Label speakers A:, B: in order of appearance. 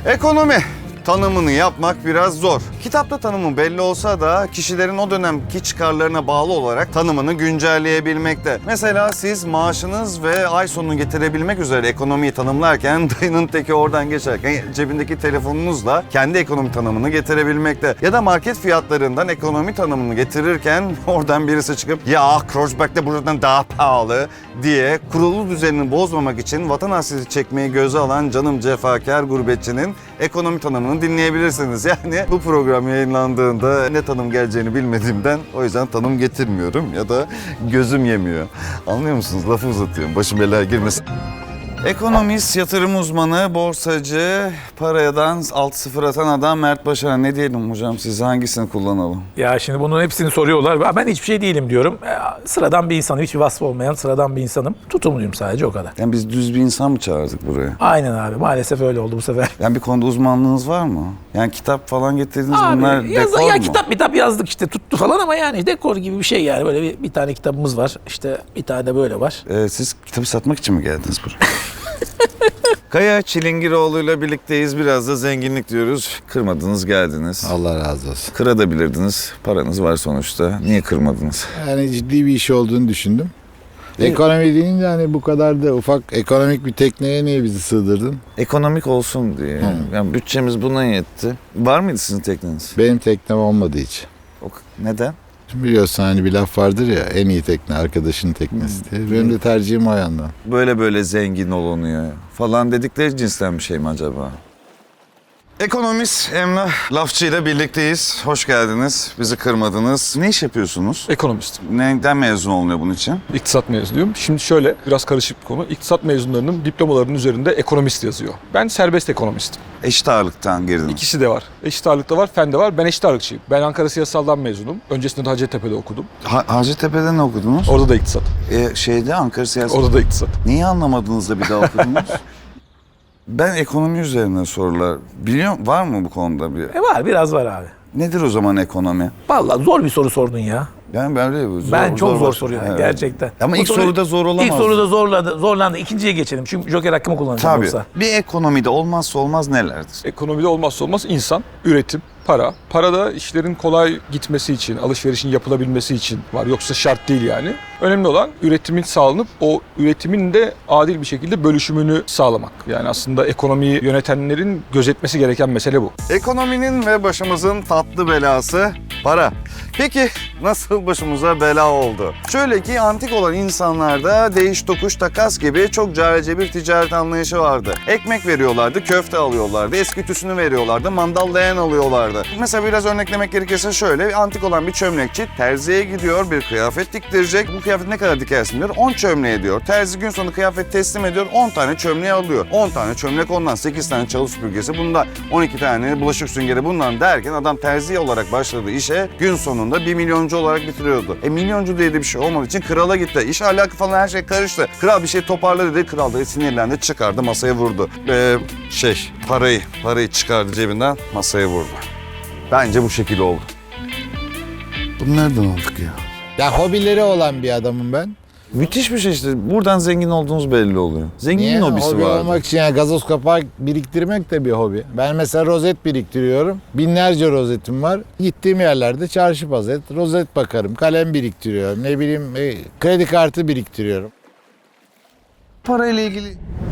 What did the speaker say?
A: Ekonomi tanımını yapmak biraz zor. Kitapta tanımı belli olsa da kişilerin o dönemki çıkarlarına bağlı olarak tanımını güncelleyebilmekte. Mesela siz maaşınız ve ay sonunu getirebilmek üzere ekonomiyi tanımlarken dayının teki oradan geçerken cebindeki telefonunuzla kendi ekonomi tanımını getirebilmekte. Ya da market fiyatlarından ekonomi tanımını getirirken oradan birisi çıkıp ya Kreuzberg'de buradan daha pahalı diye kurulu düzenini bozmamak için vatan hasreti çekmeyi göze alan canım cefakar gurbetçinin ekonomi tanımını dinleyebilirsiniz. Yani bu program yayınlandığında ne tanım geleceğini bilmediğimden o yüzden tanım getirmiyorum ya da gözüm yemiyor. Anlıyor musunuz? Lafı uzatıyorum. Başım belaya girmesin. Ekonomist, yatırım uzmanı, borsacı, paradan 6-0 atan adam Mert Başaran. Ne diyelim hocam, siz hangisini kullanalım?
B: Ya şimdi bunun hepsini soruyorlar. Ben hiçbir şey değilim diyorum. Sıradan bir insanım. Hiçbir vasfı olmayan sıradan bir insanım. Tutumluyum sadece, o kadar.
A: Yani biz düz bir insan mı çağırdık buraya?
B: Aynen abi. Maalesef öyle oldu bu sefer.
A: Yani bir konuda uzmanlığınız var mı? Yani kitap falan getirdiniz, bunlar dekor
B: ya
A: mu?
B: kitap yazdık işte, tuttu falan ama yani dekor gibi bir şey yani. Böyle bir tane kitabımız var. İşte bir tane de böyle var.
A: Siz kitabı satmak için mi geldiniz buraya? Kaya Çilingiroğlu'yla birlikteyiz. Biraz da zenginlik diyoruz. Kırmadınız, geldiniz.
C: Allah razı olsun.
A: Kırabilirdiniz. Paranız var sonuçta. Niye kırmadınız?
C: Yani ciddi bir iş olduğunu düşündüm. Ekonomi deyince hani bu kadar da ufak ekonomik bir tekneye niye bizi sığdırdın?
A: Ekonomik olsun diye. Yani bütçemiz buna yetti. Var mıydı sizin tekneniz?
C: Benim teknem olmadı hiç.
A: Neden?
C: Şimdi biliyorsun hani bir laf vardır ya, en iyi tekne arkadaşın teknesi diye. Benim de tercihim o yandan.
A: Böyle zengin olunuyor falan dedikleri cinsten bir şey mi acaba? Ekonomist Emrah Lafçı ile birlikteyiz. Hoş geldiniz. Bizi kırmadınız. Ne iş yapıyorsunuz?
D: Ekonomistim.
A: Neden mezun olunuyor bunun için?
D: İktisat mezunuyum. Şimdi şöyle, biraz karışık bir konu. İktisat mezunlarının diplomalarının üzerinde ekonomist yazıyor. Ben serbest ekonomistim.
A: Eşit ağırlıktan girdiniz.
D: İkisi de var. Eşit ağırlıkta var, fen de var. Ben eşit ağırlıkçıyım. Ben Ankara Siyasal'dan mezunum. Öncesinde de Hacettepe'de okudum.
A: Hacettepe'de ne okudunuz?
D: Orada da iktisat.
A: Ankara Siyasi.
D: Orada da iktisat.
A: Niye anlamadınız da bir daha okudunuz? Ben ekonomi üzerine sorular biliyorum. Var mı bu konuda bir?
B: Var, biraz var abi.
A: Nedir o zaman ekonomi?
B: Vallahi zor bir soru sordun ya.
A: Yani
B: Ben çok zor soruyorum gerçekten.
A: Ama ilk soruda zor olamaz.
B: İlk soruda zorlandı. İkinciye geçelim. Çünkü joker hakkımı kullanacağım
A: Tabii.
B: yoksa.
A: Bir ekonomide olmazsa olmaz nelerdir?
D: Ekonomide olmazsa olmaz insan, üretim, para. Para da işlerin kolay gitmesi için, alışverişin yapılabilmesi için var. Yoksa şart değil yani. Önemli olan üretimin sağlanıp o üretimin de adil bir şekilde bölüşümünü sağlamak. Yani aslında ekonomiyi yönetenlerin gözetmesi gereken mesele bu.
A: Ekonominin ve başımızın tatlı belası para. Peki nasıl başımıza bela oldu? Şöyle ki antik olan insanlarda değiş tokuş takas gibi çok carice bir ticaret anlayışı vardı. Ekmek veriyorlardı, köfte alıyorlardı, eski tüsünü veriyorlardı, mandal leğen alıyorlardı. Mesela biraz örneklemek gerekirse şöyle, antik olan bir çömlekçi terziye gidiyor, bir kıyafet diktirecek. Bu kıyafet ne kadar dikersin diyor, 10 çömleğe diyor. Terzi gün sonu kıyafet teslim ediyor, 10 tane çömleği alıyor. 10 tane çömlek ondan, 8 tane çalı süpürgesi bundan, 12 tane bulaşık süngeri bundan derken adam terzi olarak başladığı işe gün sonunda 1 milyoncu olarak bitiriyordu. Milyoncu diye de bir şey olmadığı için krala gitti. İş alakası falan her şey karıştı. Kral bir şey toparla dedi. Kral da sinirlendi, çıkardı, masaya vurdu. Parayı çıkardı cebinden, masaya vurdu. Bence bu şekilde oldu. Bunu nereden aldık ya?
C: Ya hobileri olan bir adamım ben.
A: Müthiş bir şey işte. Buradan zengin olduğunuz belli oluyor. Zenginin hobisi
C: Hobi
A: var.
C: olmak için yani gazoz kapağı biriktirmek de bir hobi. Ben mesela rozet biriktiriyorum. Binlerce rozetim var. Gittiğim yerlerde çarşı pazar rozet bakarım. Kalem biriktiriyorum. Ne bileyim kredi kartı biriktiriyorum.
A: Parayla ilgili